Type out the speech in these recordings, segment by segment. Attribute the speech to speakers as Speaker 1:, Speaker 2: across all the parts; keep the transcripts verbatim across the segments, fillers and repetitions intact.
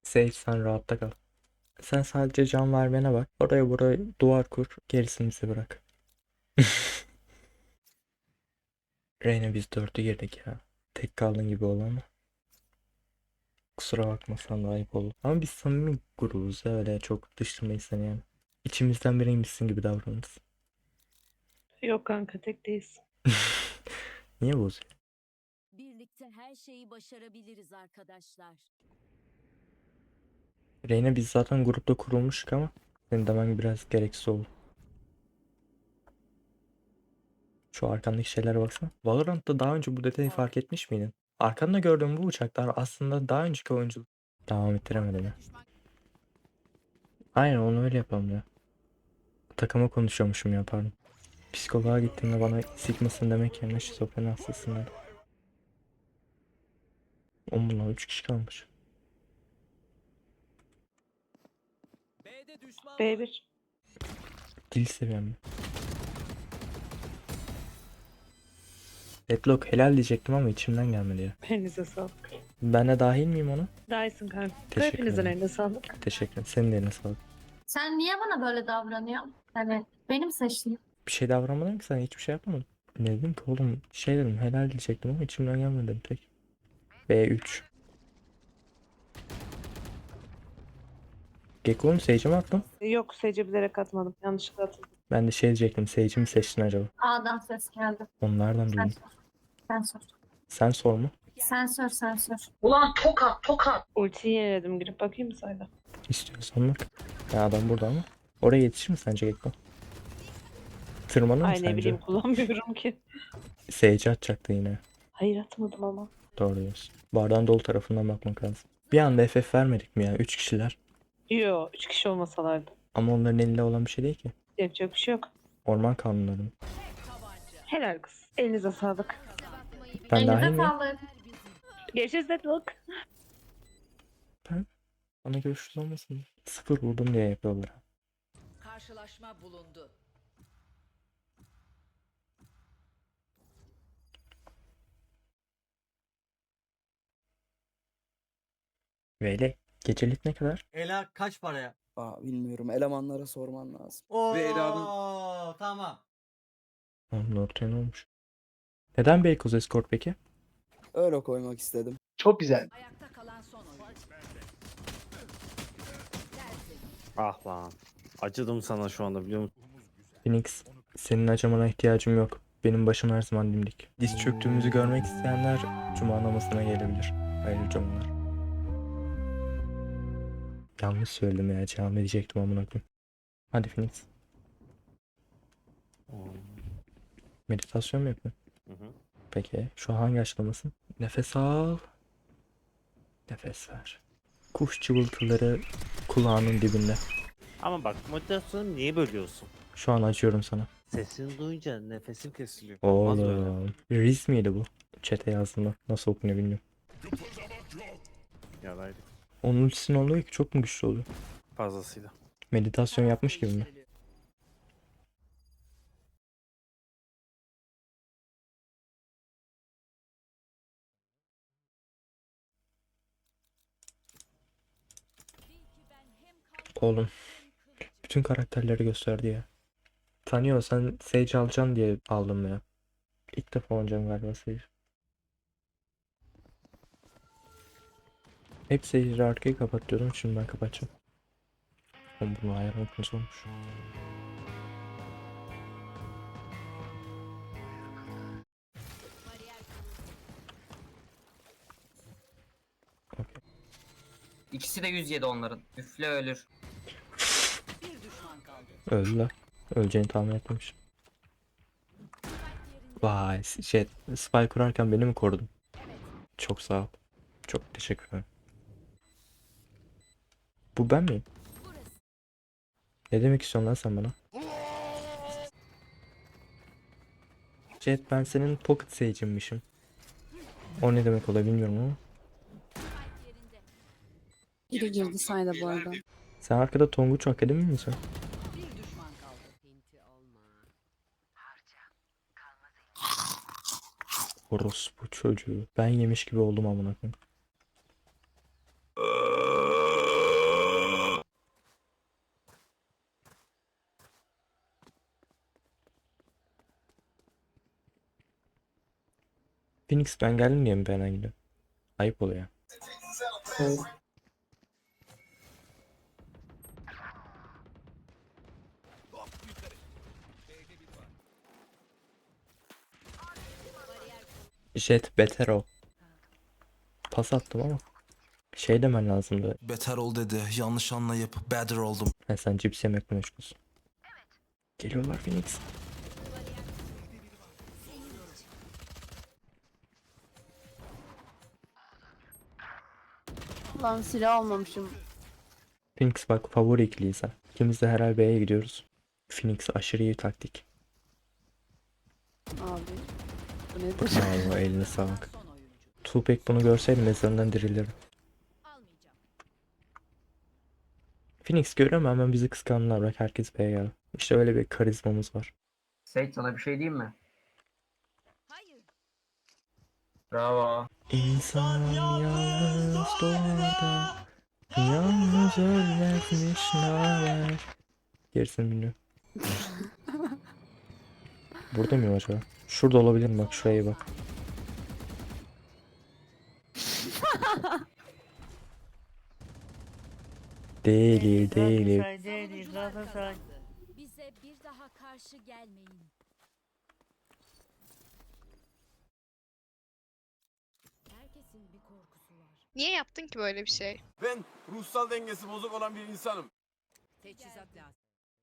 Speaker 1: Sage sen rahatta kal. Sen sadece can vermene bak. Oraya buraya duvar kur. Gerisini bize bırak. Reyna biz dörtü girdik ya. Tek kaldın gibi oldu ama. Kusura bakmasan da ayıp oldu. Ama biz samimi grubuz ya, öyle çok dışlamayız seni yani. İçimizden biriymişsin gibi davranırız.
Speaker 2: Yok kanka tek değilsin.
Speaker 1: Niye bozuyor?
Speaker 3: Birlikte her şeyi başarabiliriz arkadaşlar.
Speaker 1: Reyna biz zaten grupta kurulmuştuk ama senin demen biraz gereksiz oldu. Şu arkandaki şeylere baksana. Valorant'ta daha önce bu detayı fark etmiş miydin? Arkanda gördüğüm bu uçaklar aslında daha önceki oyuncu. Devam ettiremedim ya. Aynen onu öyle yapalım ya. Takıma konuşuyormuşum ya, pardon. Psikoloğa gittiğimde bana sikmasın demek yerine şizofreni hastasın dedi. Oğlum bunlar üç kişi kalmış.
Speaker 2: B bir.
Speaker 1: Dil seviyem. Deadlock helal diyecektim ama içimden gelmedi ya.
Speaker 2: Elinize sağlık.
Speaker 1: Ben de dahil miyim ona?
Speaker 2: Dahisin kanka.
Speaker 1: Teşekkür
Speaker 2: Hepinizin
Speaker 1: ederim.
Speaker 2: eline sağlık.
Speaker 1: Teşekkür ederim. Senin de eline sağlık.
Speaker 4: Sen niye bana böyle davranıyorsun? Evet. Benim seçtiğim.
Speaker 1: Bir şey davranmadın ki, sen hiçbir şey yapmadın. Ne dedim ki oğlum, şey dedim helal diyecektim ama içimden gelmedi dedim tek. B üç. Gekko'nun Sage'e mi attım?
Speaker 2: Yok Sece bilerek atmadım. Yanlışlıkla atıldım.
Speaker 1: Ben de şey diyecektim, Sage'i mi seçtin acaba?
Speaker 4: A'dan ses geldi.
Speaker 1: Onlardan
Speaker 4: Sen
Speaker 1: duydum.
Speaker 4: sor. Sen sor.
Speaker 1: Sen sor mu?
Speaker 4: Sen sor, sen sor.
Speaker 2: Ultiyi yeniledim. Girip bakayım mı sayda?
Speaker 1: İstiyorsan bak. Ya adam burada ama. Oraya yetişir mi sence Gekko? Tırmanır mı
Speaker 2: Ay ne
Speaker 1: sence?
Speaker 2: bileyim kullanmıyorum ki.
Speaker 1: Sage'i atacaktı yine.
Speaker 2: Hayır atmadım ama.
Speaker 1: Doğru diyorsun. Bardağın dolu tarafından bakmak lazım. Bir anda F F vermedik mi ya? Üç kişiler.
Speaker 2: Yo üç kişi olmasalardı.
Speaker 1: Ama onların elinde olan bir şey değil ki.
Speaker 2: Yapacak bir şey yok.
Speaker 1: Orman kanunları.
Speaker 2: Helal kız. Elinize sağlık.
Speaker 1: Ben dahil
Speaker 4: Elinize
Speaker 1: miyim?
Speaker 4: sağlık.
Speaker 2: Görüşürüz Deadlock.
Speaker 1: Ben? Bana görüşürüz olmasın. Sıfır vurdum diye yapıyorlar.
Speaker 3: Karşılaşma bulundu.
Speaker 1: Böyle gecelik ne kadar?
Speaker 5: Ela kaç paraya?
Speaker 6: Aa, bilmiyorum. Elemanlara sorman lazım.
Speaker 5: Oo
Speaker 6: Ve Ela'nın
Speaker 5: tamam.
Speaker 1: Onun ortaya ne olmuş? Neden Beykoz Escort peki?
Speaker 6: öyle koymak istedim.
Speaker 7: Çok güzel.
Speaker 3: Ayakta kalan son oyun.
Speaker 8: Ah lan. Acıdım sana şu anda, biliyor musun?
Speaker 1: Phoenix, senin acımana ihtiyacım yok. Benim başım her zaman dimdik. Diz çöktüğümüzü görmek isteyenler Cuma namazına gelebilir. Hayırlı cumalar. Yanlış söyledim ya. Cami diyecektim amına koyayım. Hadi Phoenix. Meditasyon mu yapıyorsun?
Speaker 8: Hı hı.
Speaker 1: Peki. Şu an hangi aşamasın? Nefes al. Nefes ver. Kuş cıvıltıları kulağının dibinde.
Speaker 8: Ama bak, motivasyonu niye bölüyorsun?
Speaker 1: Şu an acıyorum sana.
Speaker 8: Sesini duyunca nefesim kesiliyor. Olmaz böyle.
Speaker 1: Oğlum. Riz miydi bu? Çete yazdığında. Nasıl okunuyor bilmiyorum.
Speaker 8: Yaraydı.
Speaker 1: Onun ultisinin oluyor ki çok mu güçlü oluyor?
Speaker 8: Fazlasıyla.
Speaker 1: Meditasyon yapmış gibi mi? Oğlum. Bütün karakterleri gösterdi ya. Tanıyor, sen Sage alacaksın diye aldım ya. İlk defa oynayacağım galiba Sage. Hep Sage'i arkayı kapatıyordum, şimdi ben kapatacağım. Oğlum bunu ayarlamak nasıl olmuş?
Speaker 9: İkisi de yüz yedi onların. Üfle ölür.
Speaker 3: Bir düşman kaldı.
Speaker 1: Öldüler. Öleceğini tahmin etmemişim. Vay şey, spy kurarken beni mi korudun? Çok sağ ol. Çok teşekkür ederim. Bu ben miyim? Ne demek istiyorsun lan sen bana? Jet, ben senin pocket sage'inmişim. O ne demek oluyor bilmiyorum ama.
Speaker 10: Biri girdi sayda bu arada.
Speaker 1: Sen arkada Tonguç Akademi misin?
Speaker 3: Bir düşman kaldı.
Speaker 1: Orospu çocuğu. Ben yemiş gibi oldum amına koyayım. Phoenix ben geldim diye mi ben gidiyorum? Ayıp oluyor. Jet beter ol. Pas attım ama. Şey demen lazımdı.
Speaker 5: Beter ol dedi. Yanlış anlayıp better oldum.
Speaker 1: Ha, sen cips yemekle meşgulsün. Geliyorlar Phoenix.
Speaker 10: Lan silah almamışım.
Speaker 1: Phoenix bak favori ikiliyiz ha. İkimiz de herhalde B'ye gidiyoruz. Phoenix aşırı iyi taktik.
Speaker 10: Abi. Bu nedir?
Speaker 1: Bravo eline sağlık.
Speaker 3: Son oyuncu.
Speaker 1: Tupac bunu görseydi mezarından dirilirdi.
Speaker 3: Almayacağım.
Speaker 1: Phoenix görüyor mu hemen bizi kıskandılar. Bak herkes B'ye geldi. İşte öyle bir karizmamız var.
Speaker 9: Seyit sana bir şey diyeyim mi?
Speaker 3: Hayır.
Speaker 9: Bravo.
Speaker 1: İnsan yalnız doğar da yalnız ölmezmiş naber. Gerisini bilmiyorum. Burada mıyım acaba? Şurada olabilir mi? Bak şuraya bak. Değil değil.
Speaker 7: Bize bir daha karşı gelmeyin. Herkesin bir korkusu var.
Speaker 11: Niye yaptın ki böyle bir şey?
Speaker 5: Ben ruhsal dengesi bozuk olan bir insanım.
Speaker 3: Teçhizat lazım.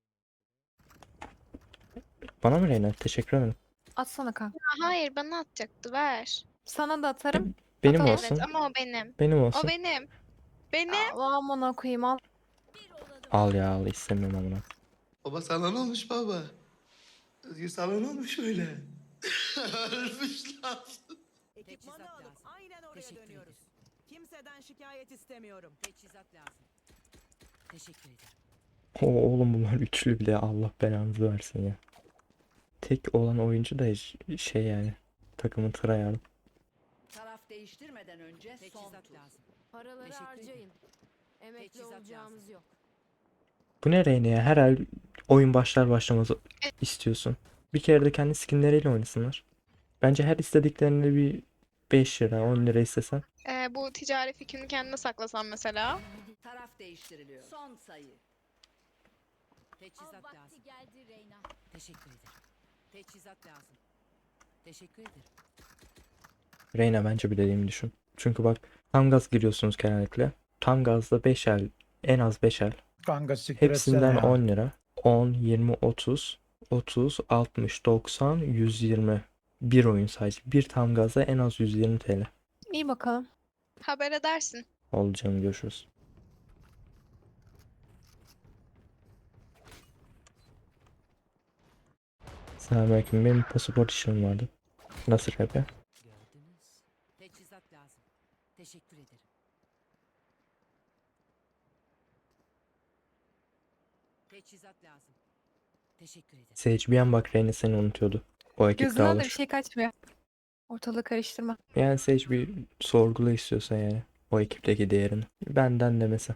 Speaker 1: Bana mı Reyna? Teşekkür ederim.
Speaker 10: Atsana kanka.
Speaker 11: Aa, hayır bana atacaktı ver.
Speaker 10: Sana da atarım.
Speaker 1: Benim
Speaker 10: Tamam.
Speaker 1: olsun.
Speaker 11: Evet ama o benim.
Speaker 1: Benim
Speaker 11: O
Speaker 1: olsun.
Speaker 11: benim. Benim.
Speaker 10: Allah amına koyayım al.
Speaker 7: Bir olalım.
Speaker 1: Al ya al istemiyorum amına.
Speaker 5: Baba sana ne olmuş baba? Özgür sana ne olmuş öyle? Ölmüş lan.
Speaker 3: Teçhizat lazım.
Speaker 12: Aynen oraya
Speaker 3: Teşekkür
Speaker 12: dönüyoruz.
Speaker 3: ederim.
Speaker 12: Kimseden şikayet istemiyorum.
Speaker 3: Teçhizat lazım. Teşekkür ederim.
Speaker 1: Oo, oğlum bunlar üçlü bile Allah belanızı versin ya. Tek olan oyuncu da ş- şey yani takımın tryhard.
Speaker 3: Taraf değiştirmeden önce son tur. Lazım.
Speaker 7: Paraları
Speaker 3: Teşekkür
Speaker 7: harcayın. Emekli
Speaker 3: Teçhizat
Speaker 7: olacağımız
Speaker 3: lazım.
Speaker 7: yok.
Speaker 1: Bu ne Reyna ya? Her ay oyun başlar başlamaz istiyorsun. Bir kere de kendi skinleriyle oynasınlar. Bence her istediklerini bir beş lira on lira istesen.
Speaker 11: Ee, bu ticari fikrini kendine saklasan mesela.
Speaker 3: Taraf değiştiriliyor. Son sayı.
Speaker 7: Av
Speaker 3: Teçhizat lazım.
Speaker 7: vakti geldi Reyna.
Speaker 3: Teşekkür ederim. Teçhizat lazım. Teşekkür ederim.
Speaker 1: Reyna bence bir dediğimi düşün. Çünkü bak tam gaz giriyorsunuz genellikle. Tam gazda beş el en az beş el.
Speaker 12: Kanka siktir
Speaker 1: Hepsinden on lira. on, yirmi, otuz, otuz, altmış, doksan, yüz yirmi. Bir oyun sadece. Bir tam gaza en az yüz yirmi T L.
Speaker 10: İyi bakalım.
Speaker 11: Haber edersin.
Speaker 1: Oldu canım görüşürüz. Selamünaleyküm. Benim pasaport işim vardı. Nasıl yapıyor?
Speaker 3: Gördünüz. Teçhizat lazım. Teşekkür ederim. Teçhizat lazım. Teşekkür ederim.
Speaker 1: Sage bir an bak Reyna seni unutuyordu. O ekip
Speaker 10: Gözünden de bir
Speaker 1: dağılır.
Speaker 10: şey kaçmıyor. Ortalığı karıştırma.
Speaker 1: Yani Sage bir sorgula istiyorsan yani. O ekipteki değerini. Benden demesi.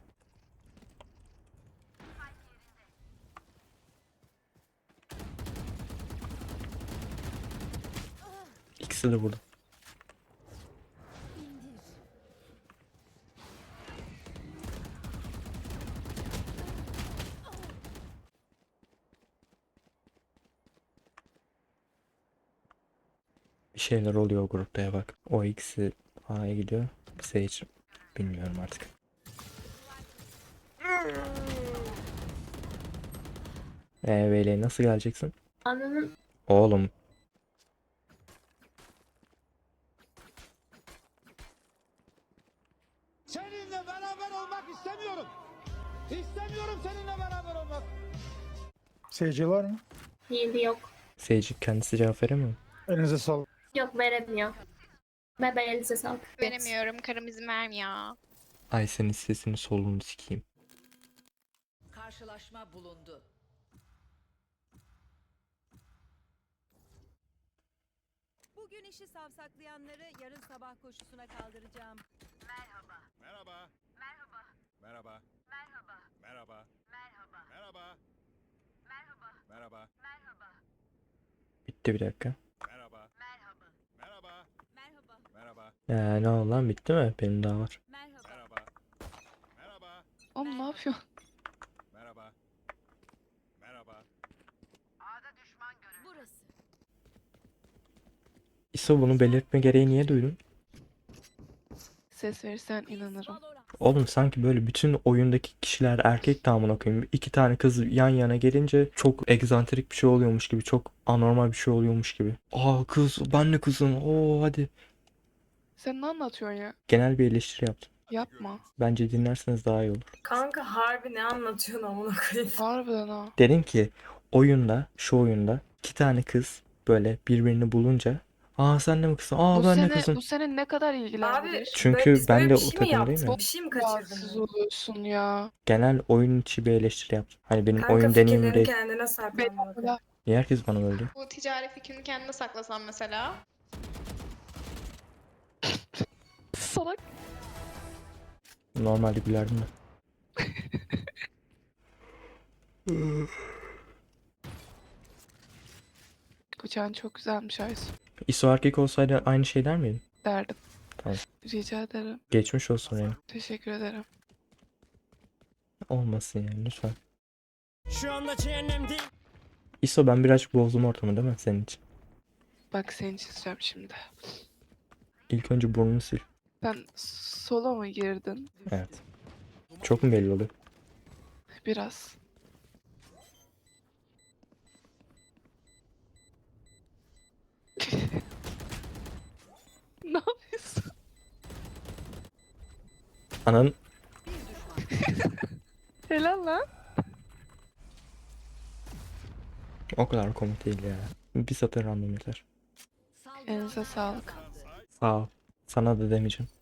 Speaker 1: İkisi de burada. Bir şeyler oluyor o grupta ya bak. O ikisi A'ya gidiyor. Sage bilmiyorum artık. Eee Veli nasıl geleceksin?
Speaker 4: Ananın
Speaker 1: Oğlum
Speaker 12: Seninle beraber olmak istemiyorum. İstemiyorum seninle beraber olmak. Seyirci var mı?
Speaker 4: iyiliği yok.
Speaker 1: Sage kendisi cevap veremiyor mu?
Speaker 12: Elinize sağlık.
Speaker 4: Yok veremiyor. Ve ben elinize sağlık.
Speaker 11: Veremiyorum. Karım izin vermiyor.
Speaker 1: Ay senin sesini solunu sikeyim.
Speaker 3: Karşılaşma bulundu.
Speaker 12: Bugün işi savsaklayanları yarın sabah koşusuna kaldıracağım.
Speaker 5: Merhaba. Merhaba. Merhaba. Merhaba. Merhaba. Merhaba. Merhaba.
Speaker 1: Bitti bir dakika.
Speaker 5: Merhaba. Merhaba.
Speaker 1: Ya ne oldu lan, bitti mi? Benim daha var.
Speaker 7: Merhaba.
Speaker 10: Oğlum ne yapıyorsun?
Speaker 7: Burası.
Speaker 1: İso, bunu belirtme gereği niye duydun?
Speaker 10: Ses verirsen inanırım.
Speaker 7: Valorant.
Speaker 1: Oğlum sanki böyle bütün oyundaki kişiler erkek de amına koyayım. İki tane kız yan yana gelince çok egzantrik bir şey oluyormuş gibi. Çok anormal bir şey oluyormuş gibi. Aa kız, ben de kızım. Oo hadi.
Speaker 10: Sen ne anlatıyorsun ya?
Speaker 1: Genel bir eleştiri yaptım.
Speaker 10: Yapma.
Speaker 1: Bence dinlerseniz daha iyi olur.
Speaker 2: Kanka harbi ne anlatıyorsun amına koyayım?
Speaker 10: Harbiden ha.
Speaker 1: Dedim ki oyunda, şu oyunda iki tane kız böyle birbirini bulunca, aa sen de mi kızsın? Aa
Speaker 10: Bu
Speaker 1: ben de
Speaker 10: seni,
Speaker 1: kızım.
Speaker 10: bu seni ne kadar ilgilendirir?
Speaker 1: Çünkü ben de o takımdayım ya.
Speaker 2: Bir şey mi
Speaker 10: Rahatsız oluyorsun ya.
Speaker 1: Genel oyun içi bir eleştiri yaptım. Hani benim oyun deneyimim değil.
Speaker 2: kendine sakla.
Speaker 10: Bedava.
Speaker 1: Niye herkes bana böyle diyor?
Speaker 11: Bu ticari fikrini kendine saklasan mesela.
Speaker 10: Salak.
Speaker 1: Normalde gülerdim de.
Speaker 10: Bıçağın çok güzelmiş Aysu.
Speaker 1: İso erkek olsaydı aynı şey der miydin?
Speaker 10: Derdim.
Speaker 1: Tamam.
Speaker 10: Rica ederim.
Speaker 1: Geçmiş olsun yani.
Speaker 10: Teşekkür ederim.
Speaker 1: Olmasın yani lütfen. Şu anda cehennemde. İso, ben birazcık bozdum ortamı değil mi senin için?
Speaker 10: Bak seni çizeceğim şimdi.
Speaker 1: İlk önce burnunu sil.
Speaker 10: Sen sola mı girdin?
Speaker 1: Evet. Çok mu belli oluyor?
Speaker 10: Biraz. Ne yapıyorsun?
Speaker 1: Ananın
Speaker 10: Helal lan.
Speaker 1: o kadar komik değil ya. Bir satır random yeter.
Speaker 10: Elinize sağlık.
Speaker 1: Sağ ol. Sana da demeyeceğim.